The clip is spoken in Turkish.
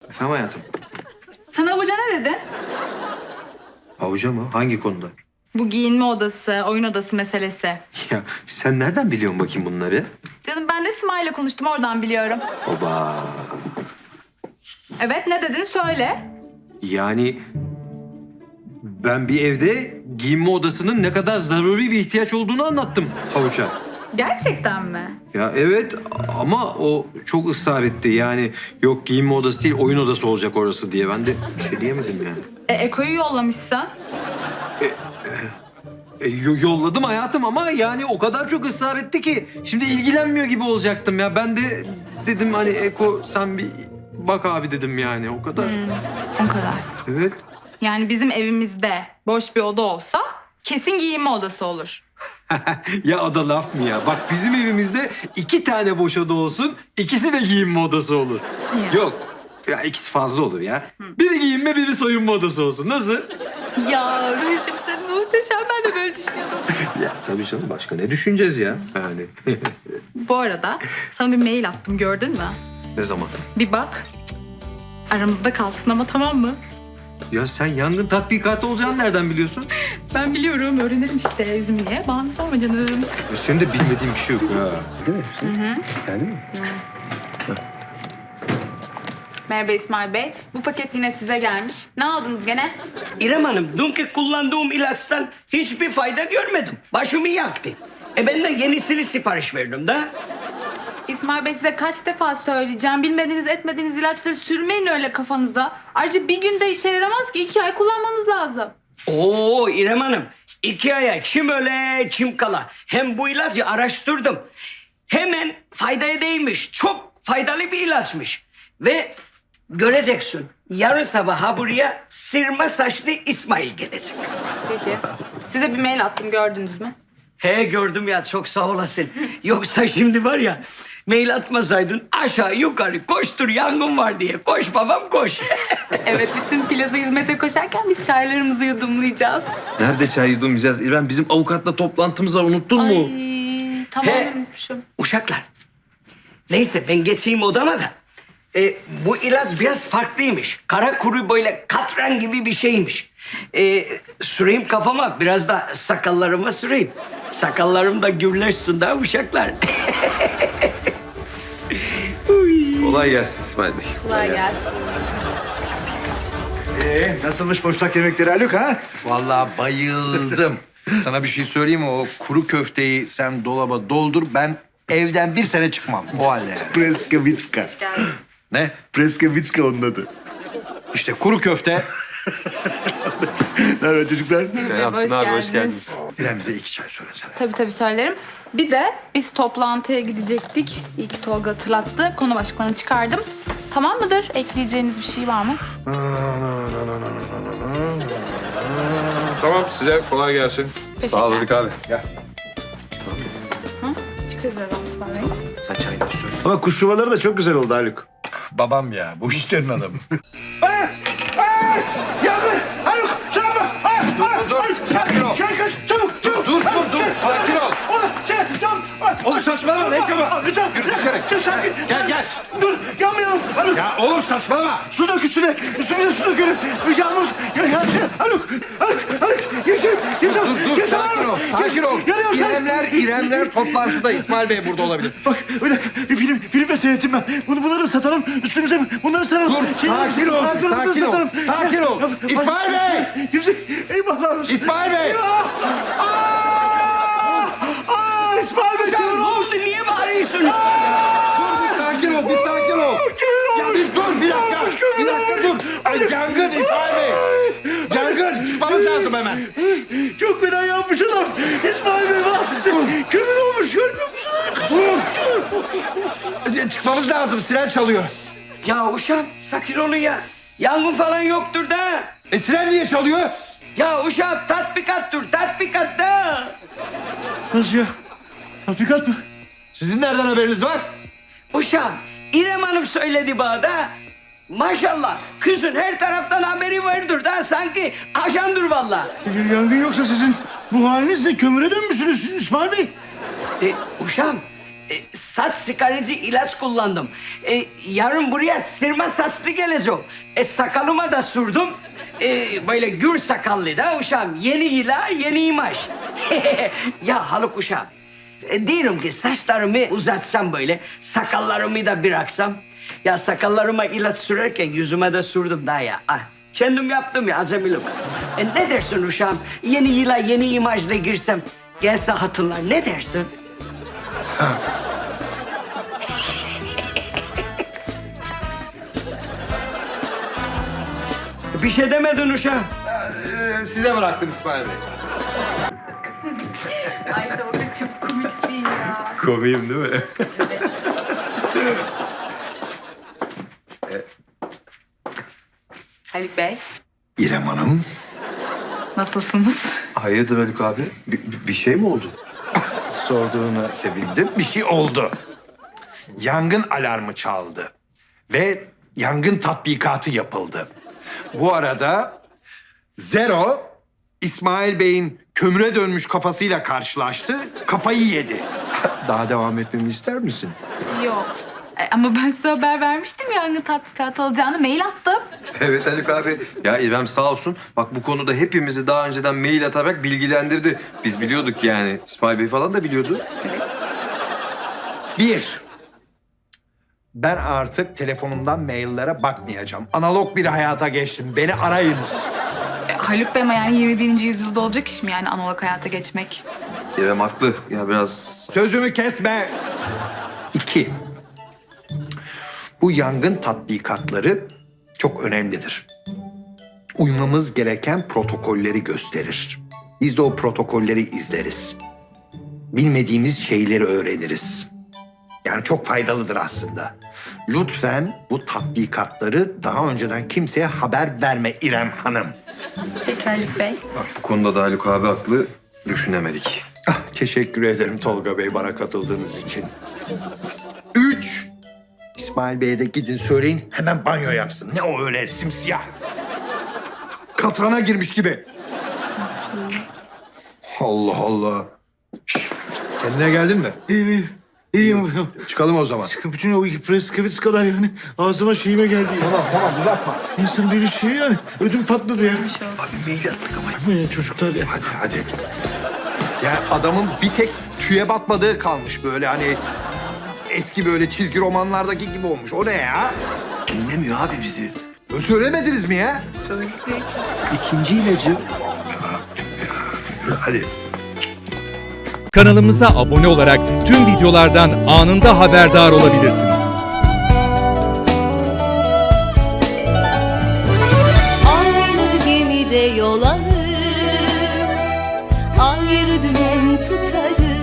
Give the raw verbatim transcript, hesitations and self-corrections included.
Efendim hayatım? Sana hoca ne dedi? Avuca mı? Hangi konuda? Bu giyinme odası, oyun odası meselesi. Ya sen nereden biliyorsun bakayım bunları? Canım ben de Sima'yla konuştum, oradan biliyorum. Oba. Evet, ne dedin? Söyle. Yani ben bir evde giyinme odasının ne kadar zaruri bir ihtiyaç olduğunu anlattım Havuç'a. Gerçekten mi? Ya evet ama o çok ısrar etti. Yani yok giyinme odası değil oyun odası olacak orası diye. Ben de bir şey diyemedim yani. E, Eko'yu yollamışsın. E, yo- yolladım hayatım ama yani o kadar çok ısrar etti ki şimdi ilgilenmiyor gibi olacaktım ya. Ben de dedim hani Eko sen bir bak abi dedim yani o kadar. O kadar. Evet. Yani bizim evimizde boş bir oda olsa kesin giyinme odası olur. Ya o da laf mı ya? Bak bizim evimizde iki tane boş oda olsun, ikisi de giyinme odası olur. Ya. Yok. Ya ikisi fazla olur ya. Biri giyinme, biri soyunma odası olsun. Nasıl? Ya Ruşim sen muhteşem, ben de böyle düşünüyordum. Ya tabii canım başka ne düşüneceğiz ya yani. Bu arada sana bir mail attım, gördün mü? Ne zaman? Bir bak. Aramızda kalsın ama, tamam mı? Ya sen yangın tatbikatı olacağını nereden biliyorsun? Ben biliyorum, öğrenirim işte. Üzüm niye? Bana sorma canım. Ya senin de bilmediğin bir şey yok ha. Değil mi? Geldi mi? Merhaba İsmail Bey. Bu paket yine size gelmiş. Ne aldınız gene? İrem Hanım, dünkü kullandığım ilaçtan hiçbir fayda görmedim. Başımı yaktı. E ben de yenisini sipariş verdim de. İsmail Bey, size kaç defa söyleyeceğim. Bilmediğiniz etmediğiniz ilaçları sürmeyin öyle kafanıza. Ayrıca bir günde işe yaramaz ki. iki ay kullanmanız lazım. Oo İrem Hanım, iki aya kim öle kim kala. Hem bu ilacı araştırdım. Hemen faydaya değmiş. Çok faydalı bir ilaçmış. Ve göreceksin, yarın sabah ha buraya sırma saçlı İsmail gelecek. Peki. Size bir mail attım, gördünüz mü? He gördüm ya, çok sağ olasın. Yoksa şimdi var ya, mail atmasaydın aşağı yukarı koştur yangın var diye. Koş babam koş. Evet, bütün plaza hizmete koşarken biz çaylarımızı yudumlayacağız. Nerede çay yudumlayacağız? İrem bizim avukatla toplantımız var unuttun mu? Ay, tamam, He. unutmuşum. Uşaklar, neyse ben geçeyim odama da. E, bu ilaç biraz farklıymış. Kara kuru böyle katran gibi bir şeymiş. E, süreyim kafama, biraz da sakallarıma süreyim. Sakallarım da gürleşsin daha uşaklar. Kolay gelsin İsmail Bey. Kolay gelsin. Ee, nasılmış boşnak yemekleri Haluk ha? Vallahi bayıldım. Sana bir şey söyleyeyim mi? O kuru köfteyi sen dolaba doldur. Ben evden bir sene çıkmam. O halde yani. Preskavitska. Geldim. Ne? Preskavitska onun adı. İşte kuru köfte. Ne haber çocuklar? Selam Hoş Tuna abi, hoş geldiniz. geldiniz. İrem bize iki çay söylesene. Tabii tabii söylerim. Bir de biz toplantıya gidecektik. İyi ki Tolga hatırlattı. Konu başlıklarını çıkardım. Tamam mıdır? Ekleyeceğiniz bir şey var mı? Tamam size kolay gelsin. Sağ ol Haluk abi. Gel. Çıkarız birazdan İsmail Bey. Sen çayını söyle. Ama kuş yuvaları da çok güzel oldu Haluk. Babam ya. Bu işlerin adamı. Yangın! Haluk! Çabuk! Dur, dur, dur. Sakin ol. Şöyle kaç! Çabuk! Çabuk! Dur, dur, dur. Sakin ol. Oğlum! Şey! Çabuk! Oğlum saçmalama. Ne çabuk? Çabuk! Yürü dışarı. Çok sakin! Gel, gel. Dur! Yanmayalım! Haluk! Ya oğlum saçmalama. Su dök üstüne! Üstüne su dökelim! Yağmur! Ya, ya, şey, Haluk! Haluk! Haluk! Yaşar! Yaşar! Dur, dur. Yaşar! Sakin ol. Sakin ol. Yanıyor sen! İremler, İremler toplantıda. İsmail Bey burada olabilir. Bak bir dakika bir film filmde seyrettim ben. Bunu bunları satalım üstümüze bunları saralım. Dur, sakin ol, ayaklarımızı sakin ol, satalım. sakin ol. Ya, İsmail Bey! Kimse eyvahlar olsun. İsmail Bey! Eyvah! Aa! Aa, İsmail Bey Sen kömür ne olmuş. oldu, niye bağırıyorsun? Dur bir sakin ol, bir sakin ol. Kömür Ya olmuş. bir dur, bir dakika. Olmuş, kömür Bir dakika dur. olmuş. Ay, yangın İsmail Bey. Yangın, çıkmamız lazım hemen. Çok fena yanmış adam. İsmail Bey bahsediyor. Kömür olmuş görmüyor musun? Dur. Çıkmamız lazım, siren çalıyor. Ya uşağım sakin olun ya. Yangın falan yoktur da. E siren niye çalıyor? Ya uşağım tatbikattır, tatbikat da. Nasıl ya? Tatbikat mı? Sizin nereden haberiniz var? Uşağım, İrem Hanım söyledi bana da. Maşallah, kızın her taraftan haberi vardır da sanki ajandır vallahi. Yangın yoksa sizin bu halinizle kömüre dönmüşsünüz İsmail Bey. E, uşağım, e, saç çıkarıcı ilaç kullandım. E, yarın buraya sırma saçlı geleceğim. E, sakalıma da sürdüm. E, böyle gür sakallı da uşağım. Yeni ila, yeni imaj. Ya Haluk uşağım. E, diyorum ki saçlarımı uzatsam böyle, sakallarımı da bıraksam. Ya sakallarıma ilaç sürerken yüzüme de sürdüm daha ya. Ah, kendim yaptım ya acemilik. E, ne dersin uşağım? Yeni yıla yeni imajla girsem gelse hatırlar. Ne dersin? Bir şey demedin uşağım. Ee, size bıraktım İsmail Bey. Ay Tolga çok komiksin ya. Komiyim değil mi? Haluk Bey, İrem Hanım. nasılsınız? Hayırdır Haluk abi? Bir, bir şey mi oldu? Sorduğuna sevindim. Bir şey oldu. Yangın alarmı çaldı. Ve yangın tatbikatı yapıldı. Bu arada Zero, İsmail Bey'in kömüre dönmüş kafasıyla karşılaştı. Kafayı yedi. Daha devam etmemi ister misin? Yok. E, ama ben size haber vermiştim yangın tatbikatı olacağını. Mail attım. Evet Haluk abi. Ya İrem sağ olsun. Bak bu konuda hepimizi daha önceden mail atarak bilgilendirdi. Biz biliyorduk yani. İsmail Bey falan da biliyordu. Bir, ben artık telefonumdan maillere bakmayacağım. Analog bir hayata geçtim. Beni arayınız. E, Haluk Bey ama yani yirmi birinci yüzyılda olacak iş mi yani analog hayata geçmek? İrem haklı. Ya biraz... Sözümü kesme. İki, bu yangın tatbikatları çok önemlidir. Uymamız gereken protokolleri gösterir. Biz de o protokolleri izleriz. Bilmediğimiz şeyleri öğreniriz. Yani çok faydalıdır aslında. Lütfen bu tatbikatları daha önceden kimseye haber verme İrem Hanım. Peki Haluk Bey. Bak bu konuda da Haluk abi haklı. Düşünemedik. Ah, teşekkür ederim Tolga Bey bana katıldığınız için. Üç, İsmail Bey'e de gidin söyleyin hemen banyo yapsın. Ne o öyle simsiyah? Katrana girmiş gibi. Allah Allah. Şişt, kendine geldin mi? İyiyim, iyiyim. Çıkalım o zaman. Bütün o preskavits kadar yani ağzıma şeyime geldi ya. Tamam tamam uzatma. İnsan bir şey yani. Ödüm patladı ya. Abi mail attık ama. Bu ya çocuklar ya. Hadi hadi. Ya adamın bir tek tüye batmadığı kalmış böyle hani... Eski böyle çizgi romanlardaki gibi olmuş. O ne ya? Dinlemiyor abi bizi. Ö, Söylemediniz mi ya? İkinci ilacı. Hadi. Kanalımıza abone olarak tüm videolardan anında haberdar olabilirsiniz. Aynı gemide yol alır, ayrı dümen tutarız.